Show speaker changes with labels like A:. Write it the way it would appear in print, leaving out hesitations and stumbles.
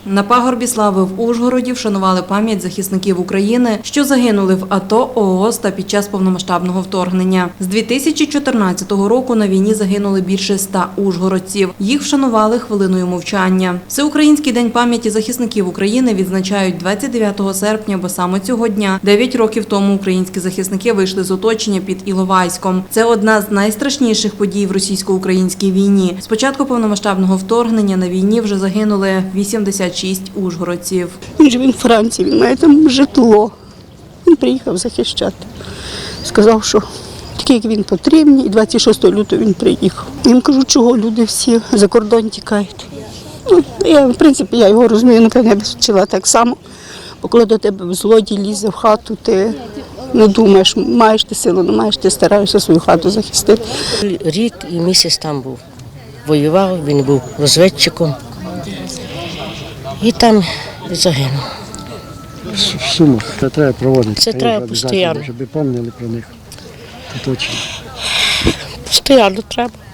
A: На пагорбі слави в Ужгороді вшанували пам'ять захисників України, що загинули в АТО, ООС та під час повномасштабного вторгнення. З 2014 року на війні загинули більше 100 ужгородців. Їх вшанували хвилиною мовчання. Всеукраїнський день пам'яті захисників України відзначають 29 серпня, бо саме цього дня, 9 років тому, українські захисники вийшли з оточення під Іловайськом. Це одна з найстрашніших подій в російсько-українській війні. З початку повномасштабного вторгнення на війні вже загинули 86 ужгородців.
B: Він живе в Франції, він має там житло. Він приїхав захищати. Сказав, що такі, як він потрібні, і 26 лютого він приїхав. Я їм кажу, чого люди всі за кордон тікають. В принципі, я його розумію, напевно, я б вчила так само. Бо коли до тебе злодій лізе в хату, ти не думаєш, маєш ти силу, не маєш, ти стараєшся свою хату захистити.
C: Рік і місяць там був. Воював, він був розвідчиком. І там загинув.
D: Суму, це треба проводити.
C: Це треба постійно.
D: Щоб пам'ятали про них. Це точно.
C: Постійно треба.